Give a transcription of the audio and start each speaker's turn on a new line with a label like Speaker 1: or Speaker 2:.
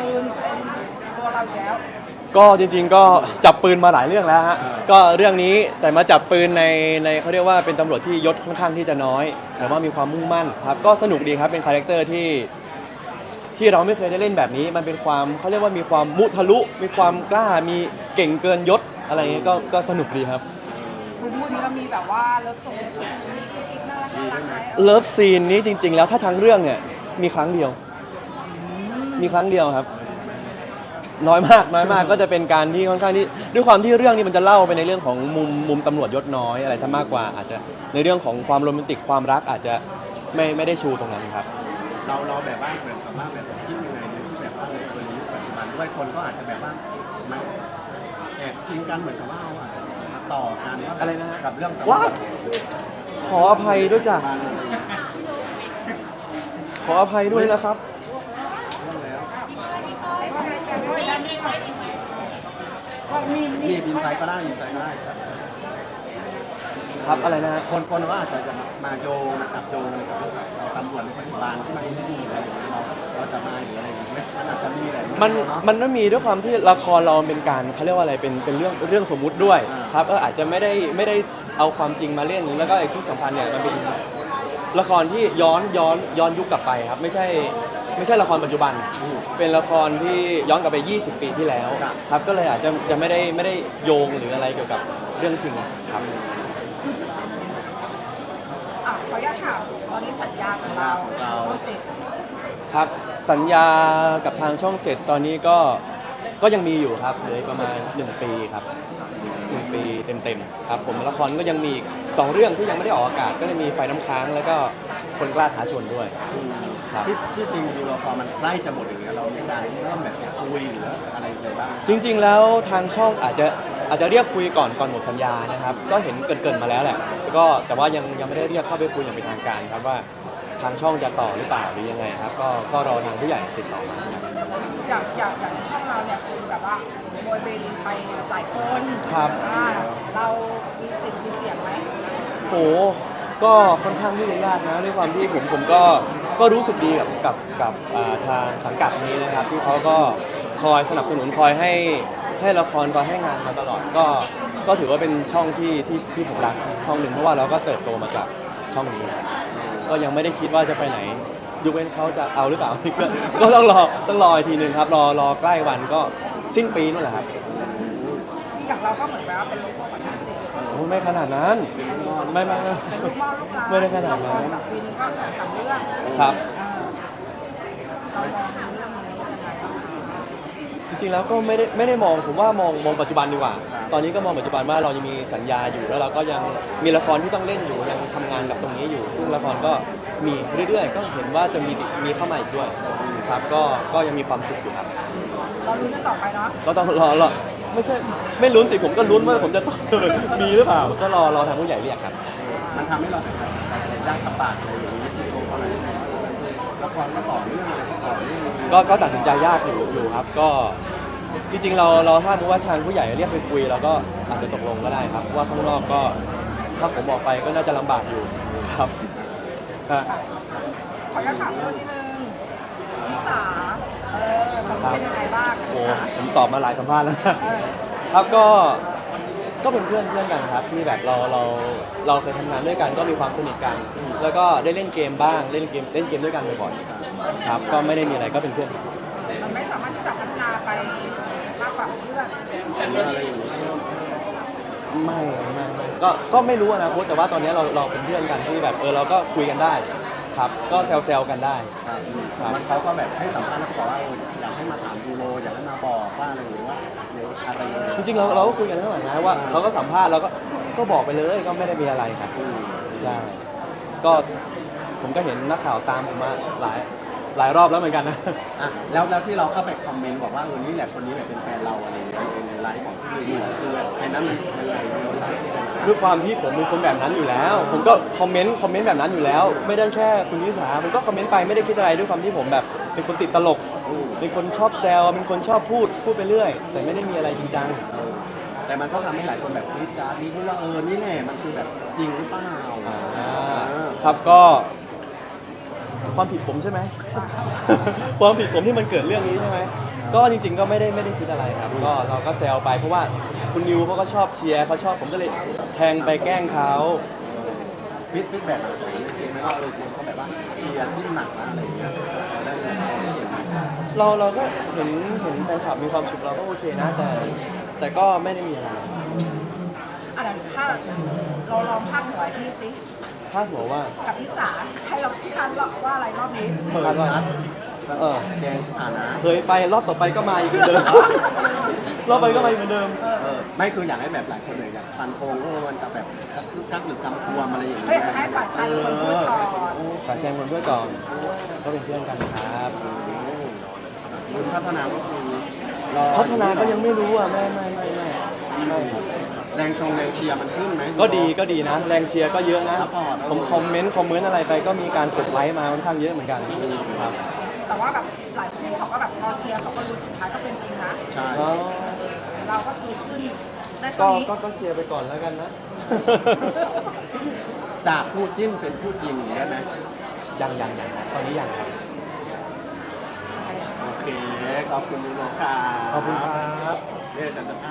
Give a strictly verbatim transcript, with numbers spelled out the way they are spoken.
Speaker 1: ปืนเป็นตัวเราอยู่แล้ว
Speaker 2: ก็จริงๆก็จับปืนมาหลายเรื่องแล้วฮะก็เรื่องนี้แต่มาจับปืนในในเขาเรียกว่าเป็นตำรวจที่ยศค่อนข้างที่จะน้อยแต่ว่ามีความมุ่งมั่นครับก็สนุกดีครับเป็นคาแรคเตอร์ที่ที่เราไม่เคยได้เล่นแบบนี้มันเป็นความเขาเรียกว่ามีความมุทะลุมีความกล้ามีเก่งเกินยศอะไรเงี้ยก็ก็สนุกดีครับ
Speaker 1: คุณพูดนี้เรามีแบบว่าเลิฟโซนมีกิ๊กน่ารักน่ารักไหม
Speaker 2: เลิฟซีนนี้จริงๆแล้วถ้าทั้งเรื่องเนี่ยมีครั้งเดียวมีครั้งเดียวครับน้อยมากน้อยมากก็จะเป็นการที่ค่อนข้างที่ด้วยความที่เรื่องนี้มันจะเล่าไปในเรื่องของมุมมุมตำรวจยศน้อยอะไรซะมากกว่าอาจจะในเรื่องของความโรแมนติกความรักอาจจะไม่ไม่ได้ชูตรงนั้นครับ
Speaker 3: เราเราแบบว่าเหมือนกับว่าแบบคิดยังไงแบบว่าในตัวนี้ปัจจุบันด้วยคนก็อาจจะแบบว่ามันแอบกินกันเหมือนกับว่าเราอาจจะมาต่อกันว่า
Speaker 2: อะไรนะ
Speaker 3: กับเรื่อง
Speaker 2: ว้าขออภัยด้วยจ้ะขออภัยด้วยนะครับ
Speaker 1: มี
Speaker 3: มีอินไซต์ก็ได้อินไซต์ก็ได้
Speaker 2: ครับอะไรนะ
Speaker 3: คนคนก็อาจจะมาโยงมาจับโยงกับตำรวจในปัจจุบันที่มาที่นี่อะไรอย่างเงี้ยเราเราจะมาหรืออะไรอย่างเงี้ยมันอาจจะมีอะไร
Speaker 2: มันมันไม่มีด้วยความที่ละครเราเป็นการเขาเรียกว่าอะไรเป็นเป็นเรื่องเรื่องสมมุติด้วยครับเอออาจจะไม่ได้ไม่ได้เอาความจริงมาเล่นแล้วก็ไอ้ที่สำคัญเนี่ยมันเป็นละครที่ย้อนย้อนย้อนยุคกลับไปครับไม่ใช่ไม่ใช่ละครปัจจุบันเป็นละครที่ย้อนกลับไปยี่สิบปีที่แล้วครับก็เลยอาจจะจะไม่ได้ไม่ได้โยงหรืออะไรเกี่ยวกับเรื่องจริงครับ
Speaker 1: อ่ะขออนุญาตถามตอนนี้สัญญาของเราช่องเจ็ด
Speaker 2: ครับสัญญากับทางช่องเจ็ดตอนนี้ก็ก็ยังมีอยู่ครับเหลือประมาณหนึ่งปีครับหนึ่งปีเต็มๆครับผมละครก็ยังมีอีกสองเรื่องที่ยังไม่ได้ออกอากาศก็จะมีไฟน้ำค้างแล้วก็คนกล้าท้าชนด้วย
Speaker 3: ที่ที่จริงดูเราพอมันใกล้จะหมดอย่างเงี้ยเรามีการเริ่มแบบคุยหรืออะไรอะไรบ้าง
Speaker 2: จริงๆแล้วทางช่องอาจจะอาจจะเรียกคุยก่อนก่อนหมดสัญญานะครับก็เห็นเกินๆมาแล้วแหละก็แต่ว่ายังยังไม่ได้เรียกเข้าไปคุยอย่างเป็นทางการครับว่าทางช่องจะต่อหรือเปล่าหรือยังไงครับก็ก็รอทางผู้ใหญ่ติดต่อมาครับ
Speaker 1: อย่างอย่างอย่างช่องเราเนี่ยคือแบบว่าโบยเบนไปหลายคน
Speaker 2: ครับ
Speaker 1: เรามีสิทธิ์มีเสียงไหม
Speaker 2: โหก็ค่อนข้างที่จะยากนะด้วยความที่ผมผมก็ก็รู้สึกดีกับกับกับทางสังกัดนี้นะครับที่เขาก็คอยสนับสนุนคอยให้ให้ละครคอยให้งานมาตลอดก็ก็ถือว่าเป็นช่องที่ที่ที่ผมรักช่องหนึ่งเพราะว่าเราก็เติบโตมาจากช่องนี้ก็ยังไม่ได้คิดว่าจะไปไหนยกเว้นเขาจะเอาหรือเปล่าก็ก็ต้องรอต้องรออีกทีหนึ่งครับรอรอใกล้วันก็สิ้นปีนั่นแหละครับ
Speaker 1: อย่างเราก็เหมือนแบบว่าเป็นลูกพ่อของช่องเจ็ด
Speaker 2: โอ้ไม่ขนาดนั้นไม่ไม่ไม่ไม่ได้ขนาดนั้น
Speaker 1: แบบปีนึงก็สองสามเรื่อง
Speaker 2: ครับ
Speaker 1: เรามองเรื่องนี้ยังไงบ้าง
Speaker 2: จริงๆแล้วก็ไม่ได้ไม่ได้มองผมว่ามองมองปัจจุบันดีกว่าตอนนี้ก็มองปัจจุบันว่าเรายังมีสัญญาอยู่แล้วเราก็ยังมีละครที่ต้องเล่นอยู่ยังทำงานกับตรงนี้อยู่ซึ่งละครก็มีเรื่อยๆก็เห็นว่าจะมีมีเข้ามาอีกด้วยครับก็ก็ยังมีความสุขอยู่ครับ
Speaker 1: เราลุ้นกันต่อไปเนาะ
Speaker 2: ก็ต้องรอรอไม่ใช่ไม่ลุ้นสิผมก็ลุ้นว่าผมจะต้องมีหรือเปล่าก็รอรอทางผู้ใหญ่เรียกครับ
Speaker 3: มันทำให้เราตัดสินใจอะไรยากลำบากอะไรอย่างนี้ที่โตอะไรละครก็ต่อเนื่องอะไรก็ต่อเนื่อง
Speaker 2: ก็ก็ตัดสินใจยากอยู่อยู่ครับก็จริงๆเราเราถ้ารู้ว่าทางผู้ใหญ่เรียกไปคุยเราก็อาจจะตกลงก็ได้ครับว่าข้างนอกก็ถ้าผมบอกไปก็น่าจะลำบากอยู่ครับ
Speaker 1: ขออนุญาตถามเรื่องนิดนึงนิสาเออเป็นยังไงบ้าง
Speaker 2: โอ้ผมตอบมาหลายสัมภาษณ์แล้วครับก็ก็เป็นเพื่อนเพื่อนกันครับที่แบบเราเราเราเคยทำงานด้วยกันก็มีความสนิทกันแล้วก็ได้เล่นเกมบ้างเล่นเกมเล่นเกมด้วยกันบ่อยๆครับก็ไม่ได้มีอะไรก็เป็นเพื่อน
Speaker 1: มันไม่สามารถที่จะพัฒนาไปมากกว่าเพื่อน
Speaker 2: ไม่ไม่ก็ก็ไม่รู้นะโค้ชแต่ว่าตอนนี้เราเราเป็นเพื่อนกันที่แบบเออเราก็คุยกันได้ครับก็แซวๆกันได้
Speaker 3: ครับมันเขาก็แบบให้สัมภาษณ์แล้วบอกว่าอยากให้มาถามยูโรอยากให้มาบอกว่าอะไรหรือว่าอะไร
Speaker 2: จริงๆเราเราก็คุยกันทั้งหลังนะว่าเขาก็สัมภาษณ์เราก็ก็บอกไปเลยก็ไม่ได้มีอะไรครับใช่ก็ผมก็เห็นนักข่าวตามผมมาหลายหลายรอบแล้วเหมือนกันนะ
Speaker 3: อ่ะแล้วแล้วที่เราเข้าไปคอมเมนต์บอกว่าเออนี่แหละคนนี้แหละเป็นแฟนเราอะไรอย่างเงี้ยในไลฟ์ของพี่ยูคือไอ้นั้นมันอะไร
Speaker 2: ด้วยความที่ผมเป็นคนแบบนั้นอยู่แล้วผมก็คอมเมนต์คอมเมนต์แบบนั้นอยู่แล้วไม่ได้แค่คุณนิสาผมก็คอมเมนต์ไปไม่ได้คิดอะไรด้วยความที่ผมแบบเป็นคนติดตลกเป็นคนชอบแซวเป็นคนชอบพูดพูดไปเรื่อยแต่ไม่ได้มีอะไรจริงจัง
Speaker 3: แต่มันก็ทำให้หลายคนแบบคิดการนี้พูดว่าเออนี่แหละมันคือแบบจริงหรือเปล่า
Speaker 2: ครับก็ความผิดผมใช่ไหม ความผิดผมที่มันเกิดเรื่องนี้ใช่ไหมก็จริงๆก็ไม่ได้ไม่ได้คิดอะไรครับก็เราก็แซวไปเพราะว่าคุณนิวเขาก็ชอบเชียร์เขาชอบผมก็เลยแทงไปแกล้งเขา
Speaker 3: ฟีดฟีดแบ็กจริงๆไหมว่าเออเขาแบบว่าเชียร์ที่หนักนะอะไรอย่างเงี้ยเราได้ไหม
Speaker 2: เราเราก็เห็นเห็นแฟนคลับมีความสุขเราก็โอเคนะแต่แต่ก็ไม่ได้มีอะไร
Speaker 1: อันนั้นถ้าเราลองพาดหัวให้พี่สิ
Speaker 2: พาดหัวว่า
Speaker 1: กับพี่สาให้เราพี่ทันว่าอะไรรอบนี้
Speaker 3: เปิดชัด
Speaker 2: เออ
Speaker 3: แจ้งสถานะ
Speaker 2: เคยไปรอบต่อไปก็มาอีกเหมือนเดิม รอบไปก็มาอีกเหมือนเดิม
Speaker 3: เออไม่คืออยากให้แบบหลายคนเลยอยากฟันโคงว่ามันจะแบบกึกกักหรือกำกวมอะไรอย่าง
Speaker 1: เฮ้ย
Speaker 3: เงี้ย
Speaker 1: จะให้ฝ่ายชายเป็นคนพูดก่อน
Speaker 2: ฝากแจ้งคนด้วยก่อน ก็เป็นเพื่อนกันครับ
Speaker 3: คุณพัฒนาก็คือรอ
Speaker 2: พัฒนาก็ยังไม่รู้อ่ะไม่ไม่ไม่ไม่ไม่ครับ
Speaker 3: แรงชงแรงเชียร์มันขึ้นไหม
Speaker 2: ก็ดีก็ดีนะ แรงเชียร์ก็เยอะนะ
Speaker 3: ซัพพอร์ต
Speaker 2: ผมคอมเมนต์คอมเมนต์อะไรไปก็มีการกดไลค์มาค่อนข้างเยอะเหมือนกันครับ
Speaker 1: แต่ว่าแบบหลายคู่เขาก็แบบรอเชียร์เขาก็รู้สุดท้ายก็เป็นจริงนะ
Speaker 3: ใช่
Speaker 2: ก็
Speaker 1: เราก็คือขึ้นได้ตร
Speaker 2: ก็
Speaker 1: งนี้
Speaker 2: ก็ก็เชียร์ไปก่อนแล้วกันนะ
Speaker 3: จากคู่จิ้นเป็นคู่จริงอย่างนี้ได้ไหม
Speaker 2: ยังยังยังตอนนี้ยังครับ
Speaker 3: โอเคขอบคุณลุงค่ะ
Speaker 2: ขอบคุณครับ
Speaker 3: เนี่ยอาจารย์จะ